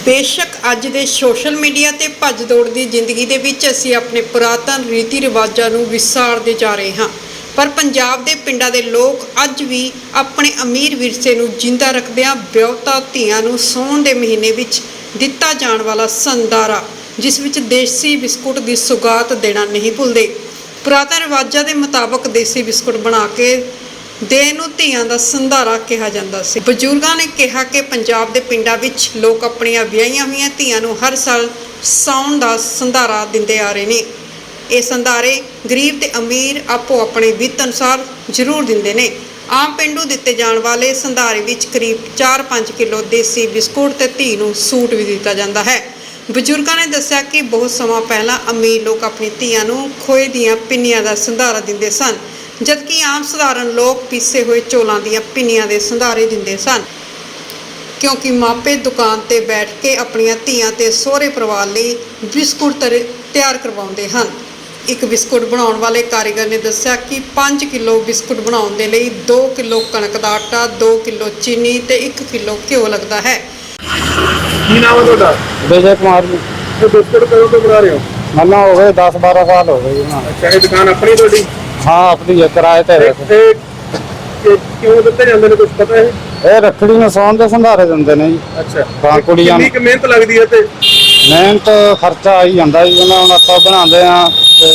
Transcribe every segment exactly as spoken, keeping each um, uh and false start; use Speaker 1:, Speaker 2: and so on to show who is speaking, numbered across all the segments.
Speaker 1: बेशक अज दे social media ते भज दौड़ दी जिंदगी दे विच असीं अपने पुरातन रीति रिवाजां नूं विसारदे जा रहे हां, पर पंजाब दे पिंडां दे लोक अज भी अपने अमीर विरसे नूं जिंदा रखदिआं विआहुता धीआं नूं सौण दे महीने विच दिता जाण वाला संदारा जिस विच देसी बिस्कुट दी सुगात देना नहीं भुलदे। पुरातन रिवाजां दे मुताबक देसी बिस्कुट बना के देण नूं धीआं दा संधारा कहा जांदा सी। बजुर्गां ने कहा कि पंजाब दे पिंडां विच लोक अपणीआं विआहिआं होईआं धीआं नूं हर साल साउण दा संधारा दिंदे आ रहे ने। ये संधारे गरीब ते अमीर आपो अपने वित्त अनुसार जरूर दिंदे ने। आम पिंडू दिते जाण वाले संधारे विच करीब चार पाँच किलो देसी बिस्कुट ते धी नूं सूट भी दिता जांदा है। बजुर्गां ने दस्सिआ कि बहुत समां पहलां अमीर लोक अपनी धीआं नूं खोए दीआं पिन्नियां दा संधारा दिंदे सन, जबकि आम सधारण लोग पीसे हुए चौलों दीआं पिन्नियां दे संधारे दिंदे सन, क्योंकि मापे दुकान ते बैठ के अपनियां धीआं ते सोहरे परिवार लई बिस्कुट तैयार करवाउंदे हन। एक बिस्कुट बनाउण वाले कारीगर ने दस्सिआ कि पाँच किलो बिस्कुट बनाउण दे लई दो किलो कणक दा आटा, दो किलो चीनी ते एक किलो घिओ लगदा है।
Speaker 2: की नाम है ਤੁਹਾਡਾ?
Speaker 3: विजय कुमार जी।
Speaker 2: ਇਹ ਬਿਸਕੁਟ ਕਦੋਂ ਤੋਂ ਬਣਾ ਰਹੇ ਹੋ?
Speaker 3: मना हो गए दस बारह साल हो गए जी। हाँ
Speaker 2: ਅੱਛਾ, ਇਹ ਦੁਕਾਨ ਆਪਣੀ ਤੁਹਾਡੀ?
Speaker 3: हाँ अपनी है, किराए ते है।
Speaker 2: ਤੇ ਇਹ ਕਿਉਂ ਦਿੱਤੇ ਜਾਂਦੇ ਨੇ, ਕੁਝ ਪਤਾ ਹੈ?
Speaker 3: ये रखड़ी में सौन के संधारे दिंदे ने जी।
Speaker 2: ਅੱਛਾ,
Speaker 3: ਹਾਂ, ਕੁੜੀਆਂ
Speaker 2: ਕਿੰਨੀ ਕੁ ਮਿਹਨਤ ਲੱਗਦੀ ਹੈ ਤੇ
Speaker 3: मेहनत खर्चा आई जाता जी। उन्हें हम आटा बनाते हैं ते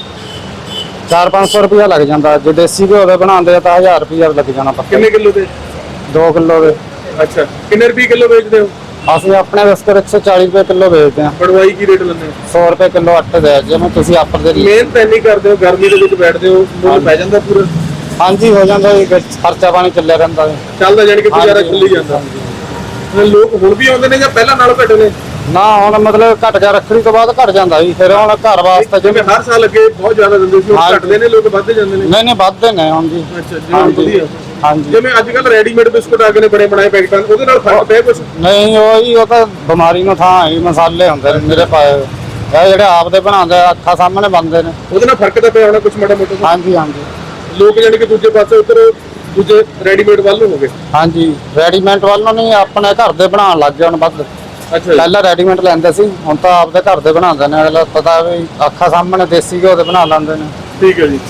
Speaker 3: चार पाँच सौ रुपया लग जाता। जो देसी घ्यो के बनाते हैं तो हज़ार रुपया लग जाना पक्का।
Speaker 2: ਕਿੰਨੇ ਕਿਲੋ ਦੇ?
Speaker 3: दो किलो के।
Speaker 2: ਅੱਛਾ, ਕਿੰਨੇ ਰੁਪਏ ਕਿਲੋ ਵੇਚਦੇ ਹੋ?
Speaker 3: असं अपने बिस्कुट एक सौ चालीस रुपये किलो बेचते हैं।
Speaker 2: ਬਣਵਾਈ ਕੀ ਰੇਟ ਲੈਂਦੇ ਹੋ?
Speaker 3: सौ रुपये किलो आटे दे जिवें तुसीं आपर दे।
Speaker 2: ਮਿਹਨਤ ਇੰਨੀ ਕਰਦੇ ਹੋ, ਗਰਮੀ ਦੇ ਵਿੱਚ ਬੈਠਦੇ ਹੋ, ਮੁੱਲ ਪੈ ਜਾਂਦਾ ਪੂਰਾ?
Speaker 3: हाँ जी हो जाता जी, खर्चा पानी चलिया रहिंदा है।
Speaker 2: ਚੱਲਦਾ ਜਾਨੀ ਕਿ ਗੁਜ਼ਾਰਾ ਚੱਲੀ ਜਾਂਦਾ। ਲੋਕ ਹੁਣ ਵੀ ਆਉਂਦੇ ਨੇ ਜਾਂ ਪਹਿਲਾਂ ਨਾਲੋਂ ਘੱਟ ਨੇ?
Speaker 3: ना हुण मतलब घट गया, रखड़ी तो बाद घट जाता जी। फिर हुण घर वास्ते
Speaker 2: ਜਿਵੇਂ ਹਰ ਸਾਲ ਅੱਗੇ ਬਹੁਤ ਜ਼ਿਆਦਾ ਦਿੰਦੇ ਸੀ, ਹੁਣ ਘਟਦੇ ਨੇ, ਲੋਕ ਵੱਧਦੇ ਜਾਂਦੇ ਨੇ।
Speaker 3: नहीं नहीं ਵੱਧਦੇ ਨੇ ਹੁਣ ਜੀ।
Speaker 2: ਅੱਛਾ ਜੀ,
Speaker 3: हाँ जी
Speaker 2: ਵਧੀਆ।
Speaker 3: हाँ जी।
Speaker 2: ਜਿਵੇਂ ਅੱਜ ਕੱਲ ਰੈਡੀਮੇਡ ਬਿਸਕੁਟ ਆ ਗਏ ਨੇ ਬਣੇ ਬਣਾਏ ਪੈਕਟਾਂ, ਉਹਦੇ ਨਾਲ ਫਰਕ ਪਿਆ ਕੁਝ?
Speaker 3: नहीं ਉਹ ਜੀ ਉਹ ਤਾਂ ਬਿਮਾਰੀ ਨੂੰ ਥਾਂ ਹੈ, ਮਸਾਲੇ ਹੁੰਦੇ ਨੇ ਮੇਰੇ ਪਾਏ। ਇਹ ਜਿਹੜੇ ਆਪ ਦੇ ਬਣਾਉਂਦੇ ਅੱਖਾਂ ਸਾਹਮਣੇ ਬਣਦੇ ਨੇ।
Speaker 2: ਉਹਦੇ ਨਾਲ ਫਰਕ ਤਾਂ ਪਿਆ ਹੋਣਾ ਕੁਝ ਮਾੜਾ ਮੋਟਾ?
Speaker 3: हाँ जी हाँ जी।
Speaker 2: ਲੋਕ ਜਾਨੀ ਕਿ ਦੂਜੇ ਪਾਸੇ ਉੱਧਰ ਦੂਜੇ ਰੈਡੀਮੇਡ ਵੱਲ ਨੂੰ ਹੋ ਗਏ।
Speaker 3: हाँ जी ਰੈਡੀਮੇਡ ਵੱਲ ਨੂੰ ਨਹੀਂ, ਆਪਣੇ ਘਰ ਦੇ ਬਣਾਉਣ ਲੱਗ ਗਏ ਹੁਣ ਵੱਧ।
Speaker 2: ਅੱਛਾ,
Speaker 3: ਪਹਿਲਾਂ ਰੈਡੀਮੇਡ ਲੈਂਦੇ ਸੀ, ਹੁਣ ਤਾਂ ਆਪਦੇ ਘਰ ਦੇ ਬਣਾਉਂਦੇ ਨੇ। ਅਗਲਾ ਪਤਾ ਵੀ ਅੱਖਾਂ ਸਾਹਮਣੇ ਦੇਸੀ ਘਿਓ ਦੇ ਬਣਾ ਲੈਂਦੇ ਨੇ।
Speaker 2: ਠੀਕ ਹੈ ਜੀ।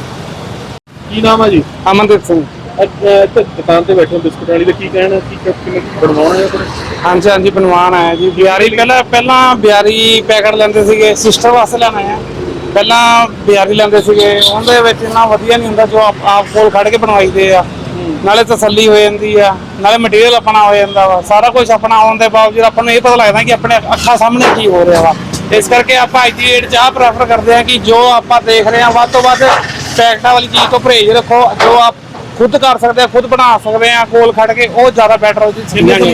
Speaker 2: ਕੀ ਨਾਮ ਹੈ ਜੀ?
Speaker 3: ਅਮਨਦੀਪ ਸਿੰਘ।
Speaker 2: ਅੱਛਾ, ਇੱਥੇ ਦੁਕਾਨ ਤੇ ਬੈਠੇ ਹੋ ਬਿਸਕੁਟ ਵਾਲੀ ਦਾ, ਕੀ ਕਹਿਣਾ, ਕੀ ਕਿਵੇਂ ਬਣਵਾਉਣਾ ਹੈ?
Speaker 3: ਹਾਂਜੀ ਹਾਂਜੀ ਬਣਵਾਉਣ ਆਇਆ ਜੀ। ਬਿਆਰੀ ਪਹਿਲਾਂ ਪਹਿਲਾਂ ਬਿਆਰੀ ਪੈਕਟ ਲੈਂਦੇ ਸੀਗੇ, ਸਿਸਟਰ ਵਾਸਤੇ ਲੈਣਾ ਆ। ਪਹਿਲਾਂ ਬਿਆਰੀ ਲੈਂਦੇ ਸੀਗੇ, ਉਹਦੇ ਵਿੱਚ ਇੰਨਾ ਵਧੀਆ ਨਹੀਂ ਹੁੰਦਾ ਜੋ ਆਪ ਆਪ ਕੋਲ ਖੜ ਕੇ ਬਣਵਾਈਦੇ ਆ। ਨਾਲੇ ਤਸੱਲੀ ਹੋ ਜਾਂਦੀ ਆ, ਨਾਲੇ ਮਟੀਰੀਅਲ ਆਪਣਾ ਹੋ ਜਾਂਦਾ ਵਾ। ਸਾਰਾ ਕੁਝ ਆਪਣਾ ਆਉਣ ਦੇ ਬਾਵਜੂਦ ਆਪਾਂ ਨੂੰ ਇਹ ਪਤਾ ਲੱਗਦਾ ਕਿ ਆਪਣੇ ਅੱਖਾਂ ਸਾਹਮਣੇ ਕੀ ਹੋ ਰਿਹਾ ਵਾ। ਇਸ ਕਰਕੇ ਆਪਾਂ ਅੱਜ ਦੀ ਡੇਟ 'ਚ ਆਹ ਪ੍ਰੈਫਰ ਕਰਦੇ ਹਾਂ ਕਿ ਜੋ ਆਪਾਂ ਦੇਖ ਰਹੇ ਹਾਂ ਵੱਧ ਤੋਂ ਵੱਧ ਪੈਕਟਾਂ ਵਾਲੀ ਚੀਜ਼ ਤੋਂ ਪਰਹੇਜ਼ ਰੱਖੋ। ਜੋ ਆਪ ਖੁਦ ਕਰ ਸਕਦੇ ਆ, ਖੁਦ ਬਣਾ ਸਕਦੇ ਆ ਕੋਲ ਖੜ ਕੇ, ਉਹ ਜ਼ਿਆਦਾ ਬੈਟਰ ਹੋ ਜੀ।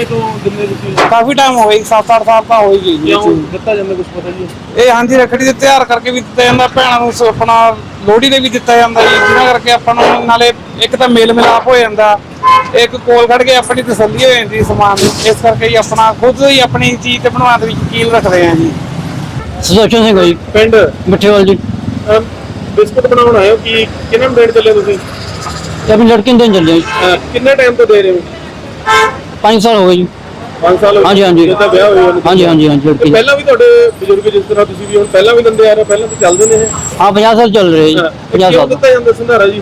Speaker 3: ਕਾਫੀ ਟਾਈਮ ਹੋ ਗਈ, ਸੱਤ ਅੱਠ ਸਾਲ ਤਾਂ ਹੋ ਹੀ ਗਈ ਜੀ।
Speaker 2: ਦਿੱਤਾ ਜਾਂਦਾ ਕੁਝ ਪਤਾ ਜੀ?
Speaker 3: ਇਹ ਹਾਂਜੀ ਰੱਖੜੀ ਦੇ ਤਿਆਰ ਕਰਕੇ ਵੀ ਦਿੱਤਾ ਜਾਂਦਾ, ਭੈਣਾਂ ਨੂੰ ਆਪਣਾ ਲੋਹੜੀ ਦੇ ਵੀ ਦਿੱਤਾ ਜਾਂਦਾ ਜੀ। ਜਿਹਨਾਂ ਕਰਕੇ ਆਪਾਂ ਨੂੰ ਨਾਲੇ ਇੱਕ ਤਾਂ ਮੇਲ ਮਿਲਾਪ ਹੋ ਜਾਂਦਾ, ਇੱਕ ਕੋਲ ਖੜ ਕੇ ਆਪਣੀ ਤਸੱਲੀ ਹੋ ਜਾਂਦੀ ਸਮਾਨ ਦੀ। ਇਸ ਕਰਕੇ ਹੀ ਆਪਣਾ ਖੁਦ ਹੀ ਆਪਣੀ ਚੀਜ਼ ਤੇ ਬਣਾਉਣ ਦੇ ਵਿੱਚ ਯਕੀਨ ਰੱਖਦੇ ਆ ਜੀ।
Speaker 4: ਸੁਦਰਸ਼ਨ ਸਿੰਘ ਜੀ,
Speaker 2: ਪਿੰਡ
Speaker 4: ਮਿੱਠੇਵਾਲ ਜੀ।
Speaker 2: ਬਿਸਕੁਟ ਬਣਾਉਣ ਆਏ ਹੋ, ਕੀ ਕਿੰਨੇ ਨੂੰ ਦੇਣ ਚੱਲੇ ਤੁਸੀਂ?
Speaker 4: ਤੇ ਆਪਣੀ ਲੜਕੀ ਨੂੰ ਦੇਣ ਚੱਲੇ ਜੀ।
Speaker 2: ਕਿੰਨੇ ਟਾਈਮ ਤੋਂ ਦੇ ਰਹੇ ਹੋ?
Speaker 4: ਪੰਜ ਸਾਲ ਹੋ ਗਏ ਜੀ।
Speaker 2: ਪੰਜ ਸਾਲ ਹੋ ਗਏ?
Speaker 4: ਹਾਂਜੀ ਹਾਂਜੀ
Speaker 2: ਜਦੋਂ ਵਿਆਹ ਹੋਇਆ ਉਹਨੂੰ?
Speaker 4: ਹਾਂਜੀ ਹਾਂਜੀ ਹਾਂਜੀ
Speaker 2: ਤੇ
Speaker 4: ਲੜਕੀ।
Speaker 2: ਪਹਿਲਾਂ ਵੀ ਤੁਹਾਡੇ ਬਜ਼ੁਰਗ ਜਿਸ ਤਰ੍ਹਾਂ ਤੁਸੀਂ ਵੀ ਹੁਣ ਪਹਿਲਾਂ ਵੀ ਦਿੰਦੇ ਆ ਰਹੇ ਹੋ, ਪਹਿਲਾਂ ਵੀ ਚੱਲਦੇ ਨੇ ਇਹ?
Speaker 4: ਹਾਂ ਪੰਜਾਹ ਸਾਲ ਚੱਲ ਰਹੇ ਜੀ। ਪੰਜਾਹ
Speaker 2: ਕਿਉਂ
Speaker 4: ਸਾਲ
Speaker 2: ਦਿੱਤਾ ਜਾਂਦਾ ਸੰਧਾਰਾ ਜੀ?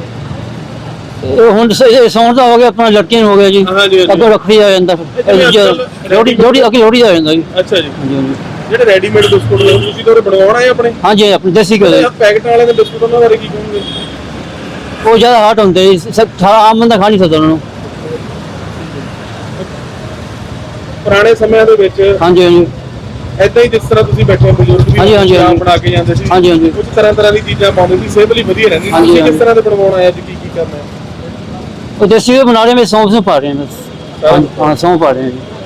Speaker 4: ਇਹ ਹੁਣ ਸੌਣ ਦਾ ਹੋ ਗਿਆ, ਆਪਣਾ ਲੜਕੀ ਨੂੰ ਹੋ ਗਿਆ ਜੀ।
Speaker 2: ਹਾਂਜੀ ਹਾਂਜੀ।
Speaker 4: ਅੱਗੇ ਰੱਖੜੀ ਆ ਜਾਂਦਾ, ਲੋਹੜੀ ਲੋਹੜੀ ਅੱਗੇ ਲੋਹੜੀ ਆ ਜਾਂਦਾ ਜੀ।
Speaker 2: ਅੱਛਾ ਜੀ।
Speaker 4: ਹਾਂਜੀ ਹਾਂਜੀ
Speaker 2: ਜਿਹੜੇ ਰੈਡੀਮੇਡ ਬਿਸਕੁਟ ਨੇ ਤੁਸੀਂ ਤਾਂ ਬਣਵਾਉਣਾ ਹੈ ਆਪਣੇ?
Speaker 4: ਹਾਂਜੀ ਆਪਣੀ ਦੇਸੀ ਘਿਓ ਦੇ।
Speaker 2: ਪੈਕਟ ਵਾਲੇ ਦੇ ਬਿਸਕੁਟ ਉਹਨਾਂ ਬਾਰੇ ਕੀ ਕਹੋਗੇ?
Speaker 4: ਉਹ ਜ਼ਿਆਦਾ ਹਾਰਡ ਹੁੰਦੇ ਜੀ, ਸਾਰਾ ਆਮ ਬੰਦਾ ਖਾ ਨਹੀਂ ਸਕਦਾ ਉਹਨਾਂ ਨੂੰ।
Speaker 2: ਪੁਰਾਣੇ ਸਮਿਆਂ ਦੇ ਵਿੱਚ
Speaker 4: ਹਾਂਜੀ ਹਾਂਜੀ
Speaker 2: ਏਦਾਂ ਹੀ ਜਿਸ ਤਰ੍ਹਾਂ ਤੁਸੀਂ ਬੈਠੇ ਬਜ਼ੁਰਗ ਵੀ
Speaker 4: ਹਾਂਜੀ, ਹਾਂਜੀ,
Speaker 2: ਚਾਹ
Speaker 4: ਹਾਂਜੀ।
Speaker 2: ਬਣਾ ਕੇ ਜਾਂਦੇ ਸੀ,
Speaker 4: ਹਾਂਜੀ, ਹਾਂਜੀ।
Speaker 2: ਕੁਝ ਤਰ੍ਹਾਂ ਤਰ੍ਹਾਂ ਦੀ ਚੀਜ਼ਾਂ ਪਾਉਂਦੇ ਸੀ, ਸਿਹਤ ਲਈ ਵਧੀਆ ਰਹਿੰਦੀ ਸੀ।
Speaker 4: ਹਾਂਜੀ,
Speaker 2: ਤੁਸੀਂ ਕਿਸ
Speaker 4: ਹਾਂਜੀ।
Speaker 2: ਤਰ੍ਹਾਂ ਦੇ ਬਣਵਾਉਣਾ ਹੈ, ਅੱਜ ਕੀ ਕੀ ਕਰਨਾ ਹੈ?
Speaker 4: ਉਹ ਦੇਸੀ ਘਿਓ ਬਣਾ ਰਹੇ, ਮੈਂ ਸੌਂਫ ਨੂੰ ਪਾ ਰਹੇ ਹਾਂ ਬਸ। ਹਾਂ ਸੌਂਫ ਪਾ ਰਹੇ ਹਾਂ ਜੀ।